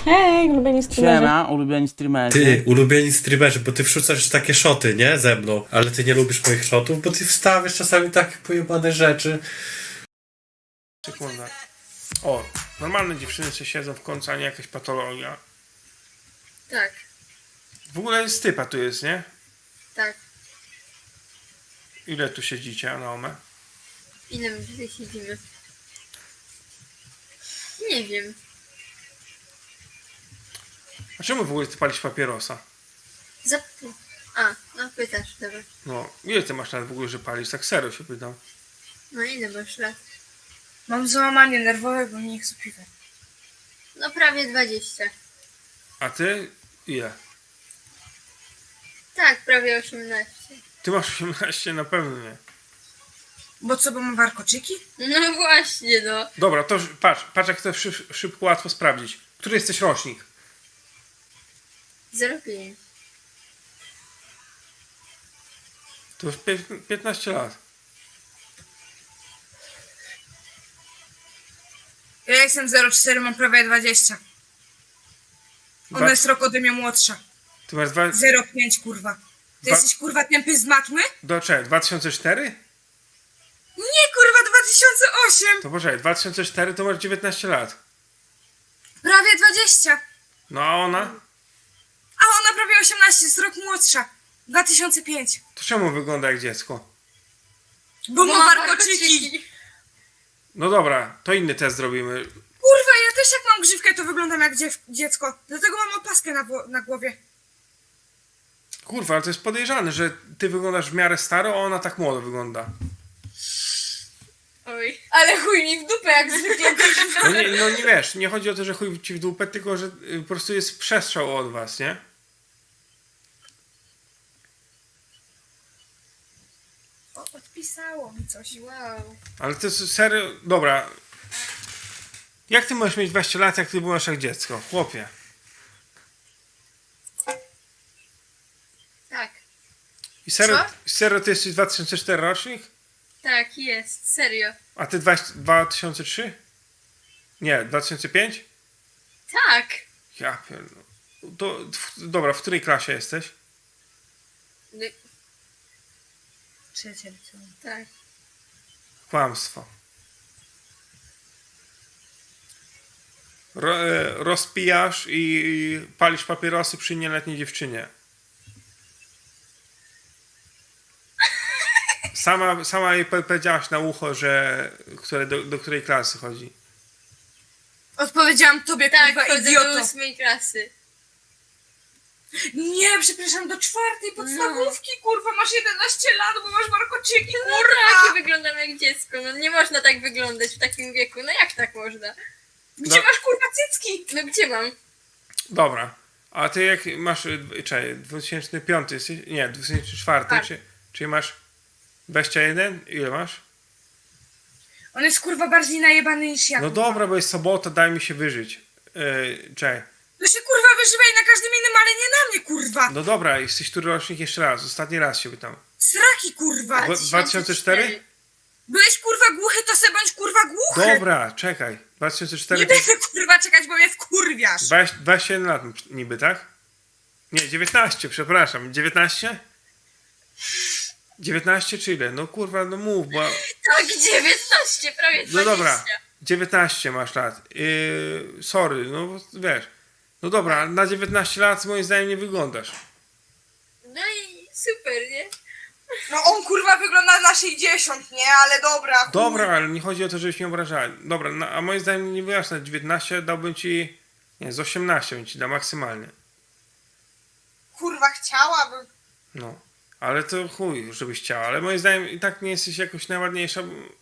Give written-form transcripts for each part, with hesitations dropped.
Hej, ulubieni streamerzy. Siema, ulubieni streamerzy. Ty, ulubieni streamerzy, bo ty wrzucasz takie szoty, nie? Ze mną. Ale ty nie lubisz moich szotów, bo ty wstawiasz czasami takie pojebane rzeczy. Sekunda. O, normalne dziewczyny sobie siedzą w końcu, a nie jakaś patologia. Tak, W ogóle z typa tu jest, nie? tak. Ile tu siedzicie, Anaome? Ile my tutaj siedzimy? Nie wiem. A czemu w ogóle ty palisz papierosa? No pytasz, dobra. No, ile ty masz lat w ogóle, że palisz? Tak serio się pytam. No ile masz lat? Mam załamanie nerwowe, bo nie chcę piwa. No prawie 20. A ty ile? Tak, prawie 18. Ty masz 18? Na pewno nie. Bo co, bo mam warkoczyki? No właśnie, no. Dobra, to patrz jak to szybko, łatwo sprawdzić. Który jesteś rocznik? 05. To już 15 lat. Ja jestem 04, mam prawie 20. Ona jest rok ode mnie młodsza. Ty masz 05, kurwa. Ty Dwa- jesteś, kurwa, tępy z matmy? czekaj, 2004? Nie, kurwa, 2008. To poczekaj, 2004 to masz 19 lat. Prawie 20. No a ona? A ona prawie 18, jest rok młodsza. 2005. To czemu wygląda jak dziecko? Bo mam warkoczyki. No dobra, to inny test zrobimy. Kurwa, ja też jak mam grzywkę, to wyglądam jak dziecko. Dlatego mam opaskę na głowie. Kurwa, ale to jest podejrzane, że ty wyglądasz w miarę staro, a ona tak młodo wygląda. Oj. Ale chuj mi w dupę, jak zwykle. No nie wiesz, nie chodzi o to, że chuj ci w dupę, tylko że po prostu jest przestrzał od was, nie? Odpisało mi coś. Wow. Ale to jest serio... Dobra. Jak ty możesz mieć 20 lat, jak ty byłaś jak dziecko? Chłopie. Tak. I serio, Co? serio ty jesteś 2004 rocznik? Tak, jest. Serio. A ty 2003? Nie, 2005? Tak. Ja pierdolę. Dobra, w której klasie jesteś? No, Trzecie liceum. tak. Kłamstwo. Rozpijasz i palisz papierosy przy nieletniej dziewczynie. Sama jej powiedziałaś na ucho, że do której klasy chodzi. Odpowiedziałam tobie, Tak, kurwa, chodzę do idioto. 8 klasy. Nie, przepraszam, do 4 podstawówki, kurwa, masz 11 lat, bo masz warkoczyki, No kurwa. tak, i wyglądam jak dziecko. No nie można tak wyglądać w takim wieku. No jak tak można? Gdzie No. masz, kurwa, cycki? No gdzie mam? Dobra. A ty jak masz... Czekaj, 2005 jesteś? Nie, 2004. Tak. Czyli masz 21? Ile masz? On jest, kurwa, bardziej najebany niż ja. No kurwa. dobra, bo jest sobota, daj mi się wyżyć. Czekaj. To się, kurwa, wyżywaj na każdym innym, ale nie na mnie, kurwa. No dobra, jesteś który rocznik jeszcze raz. Ostatni raz się pytam. Sraki, kurwa. 2004? Byłeś, kurwa, głuchy, to se bądź, kurwa, głuchy. Dobra, czekaj. 2004 Nie to będę, kurwa, czekać, bo mnie wkurwiasz. 21 lat niby, tak? Nie, 19, przepraszam. 19? 19 czy ile? No kurwa, no mów, bo... Tak, 19, prawie 20. No dobra, 19 masz lat. Sorry, no bo wiesz. No dobra, na 19 lat moim zdaniem nie wyglądasz. No i super, nie? No on, kurwa, wygląda na 60, nie? Ale dobra, chuj. Dobra, ale nie chodzi o to, żebyś nie obrażała. Dobra, no, a moim zdaniem nie wyglądasz na 19, dałbym ci... Nie, z 18 bym ci dał maksymalnie. Kurwa, chciałabym. No, ale to chuj, żebyś chciała, ale moim zdaniem i tak nie jesteś jakoś najładniejsza.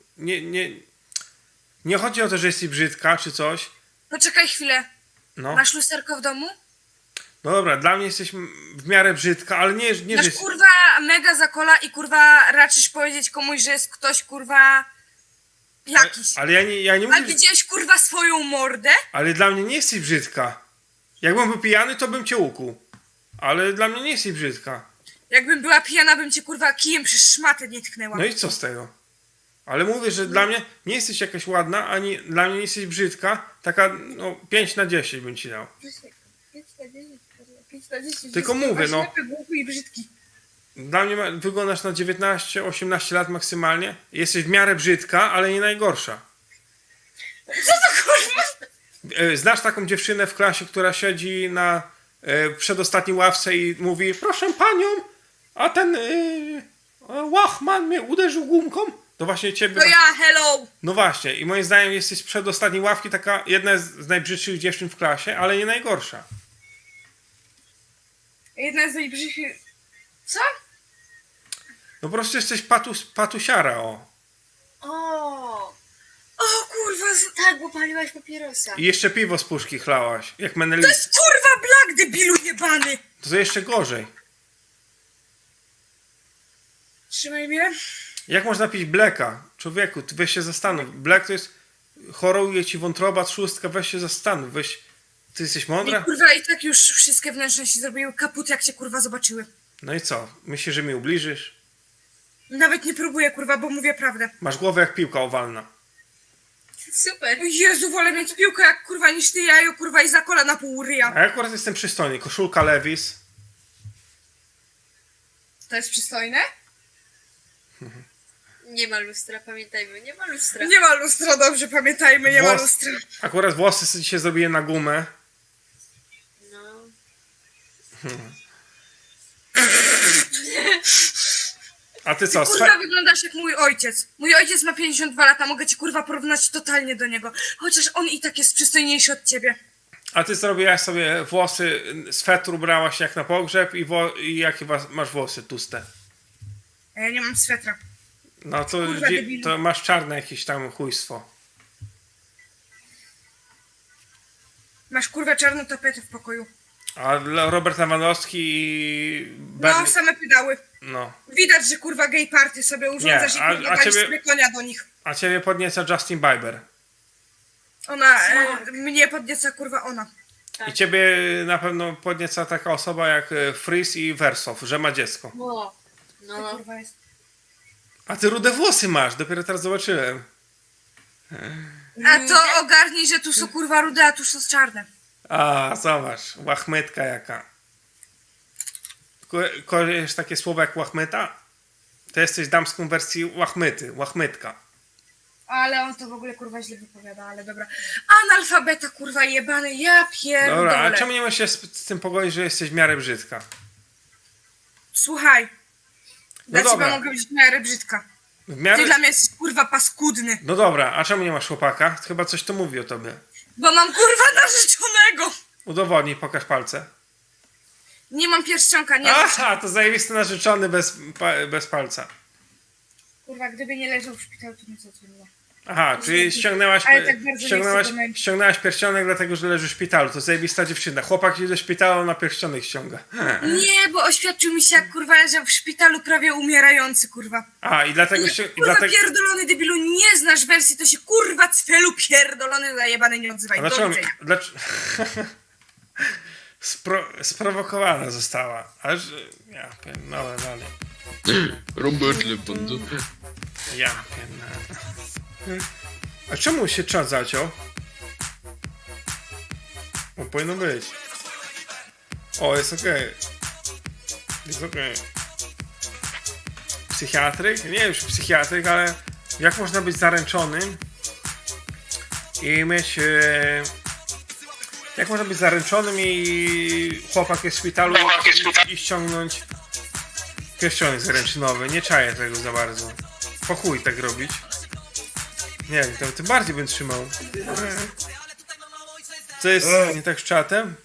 Nie chodzi o to, że jesteś brzydka czy coś. Poczekaj chwilę. No, Masz lusterko w domu? no dobra, dla mnie jesteś w miarę brzydka, ale nie że Masz, jest... kurwa, mega zakola i, kurwa, raczysz powiedzieć komuś, że jest ktoś, kurwa, jakiś. Ale ja nie A mówię, widziałeś, kurwa, swoją mordę? ale dla mnie nie jesteś brzydka. Jakbym był pijany, to bym cię ukuł. Ale dla mnie nie jesteś brzydka. Jakbym była pijana, bym cię, kurwa, kijem przez szmatę nie tknęła. No i co z tego? Ale mówię, że dla mnie nie jesteś jakaś ładna, ani dla mnie nie jesteś brzydka. Taka, no, 5 na 10 bym ci dał. 5 na 10, 5 na 10. Tylko mówię, no. Ślepy, głupi i brzydki. Dla mnie wyglądasz na 19-18 lat maksymalnie. Jesteś w miarę brzydka, ale nie najgorsza. Co to kurwa? Znasz taką dziewczynę w klasie, która siedzi na przedostatniej ławce i mówi: proszę panią, a ten łachman mnie uderzył gumką? To właśnie ciebie... To ja, hello! No właśnie, i moim zdaniem jesteś z przedostatniej ławki taka jedna z najbrzydszych dziewczyn w klasie, ale nie najgorsza. Jedna z najbrzydszych... Co? No po prostu jesteś patusiara, o. O, O kurwa, tak, bo paliłaś papierosa. I jeszcze piwo z puszki chlałaś, jak to Menelis. jest kurwa Black, debilu jebany! To jeszcze gorzej. Trzymaj mnie. Jak można pić bleka? Człowieku, ty weź się zastanów. Black to jest... choruje ci wątroba, trzustka, weź się zastanów. Weź... Ty jesteś I mądra? kurwa i tak już wszystkie wnętrzności zrobiły kaput, jak cię kurwa zobaczyły. No i co? Myślisz, że mi ubliżysz? Nawet nie próbuję kurwa, bo mówię prawdę. Masz głowę jak piłka owalna. Super. O Jezu, wolę mieć piłkę jak kurwa niż ty jajo kurwa i za kolana pół ryja. A ja akurat jestem przystojny. Koszulka Levis. To jest przystojne? Nie ma lustra, pamiętajmy, nie ma lustra. Nie ma lustra, dobrze pamiętajmy, nie ma Włos- lustra. Akurat włosy sobie dzisiaj zrobiłem na gumę. No. A ty co? Kurwa wyglądasz jak mój ojciec. Mój ojciec ma 52 lata, mogę ci kurwa porównać totalnie do niego. Chociaż on i tak jest przystojniejszy od ciebie. A ty zrobiłaś sobie włosy, swetr ubrałaś jak na pogrzeb i jakie masz włosy tłuste? A ja nie mam swetra. No to, Kurwa, debilu. to masz czarne jakieś tam chujstwo. Masz kurwa czarną tapetę w pokoju. A Robert Lewandowski i No, Bernie... same pedały. No. Widać, że kurwa gay party sobie urządzasz Nie, i a kurwa daliś ciebie- sobie konia do nich. A ciebie podnieca Justin Bieber. Ona, Tak. mnie podnieca kurwa ona. Tak. I ciebie na pewno podnieca taka osoba jak Freeze i Wersow, że ma dziecko. O, To no. kurwa jest. A ty rude włosy masz, dopiero teraz zobaczyłem. A to ogarnij, że tu są kurwa rude, a tu są czarne. A, zobacz, łachmytka jaka. Kojarzysz takie słowo jak łachmyta? To jesteś damską wersji łachmyty, łachmytka. Ale on to w ogóle kurwa źle wypowiada, ale dobra. Analfabeta kurwa jebany, ja pierdolę. Dobra, a czemu nie możesz się z tym pogodzić, że jesteś w miarę brzydka? Słuchaj. Dla No dobra. ciebie mogę być w miarę brzydka. W Ty miarę... dla mnie jesteś kurwa paskudny. No dobra, a czemu nie masz chłopaka? Chyba coś to mówi o tobie. Bo mam kurwa narzeczonego. Udowodnij, pokaż palce. Nie mam pierścionka, nie. Aha, to zajebisty narzeczony bez palca. Kurwa, gdyby nie leżał w szpitalu, to nie zadzwoniła. Aha, czyli ściągnęłaś, Ale tak bardzo nie chcę do męki. ściągnęłaś pierścionek dlatego, że leży w szpitalu. To zajebista dziewczyna. Chłopak idzie do szpitala, na pierścionek ściąga. Nie, bo oświadczył mi się, jak kurwa leżał w szpitalu prawie umierający, kurwa. A, i dlatego... Kurwa pierdolony debilu, nie znasz wersji, to się kurwa cfelu pierdolony zajebany nie odzywaj. A Do dlaczego... widzenia. Sprowokowana została. Aż... Ja pierdolę dalej. Robert Lewandowski. Ja pierdolę. A czemu się czas zaciął? O, powinno być. O, jest okej. Jest okej. Psychiatryk? Nie już psychiatryk, ale jak można być zaręczonym i mieć... Jak można być zaręczonym i chłopak jest w szpitalu i ściągnąć pierścionek zaręczynowy? Nie czaję tego za bardzo. Po chuj tak robić. Nie wiem, tym bardziej bym trzymał. Co jest nie tak z czatem?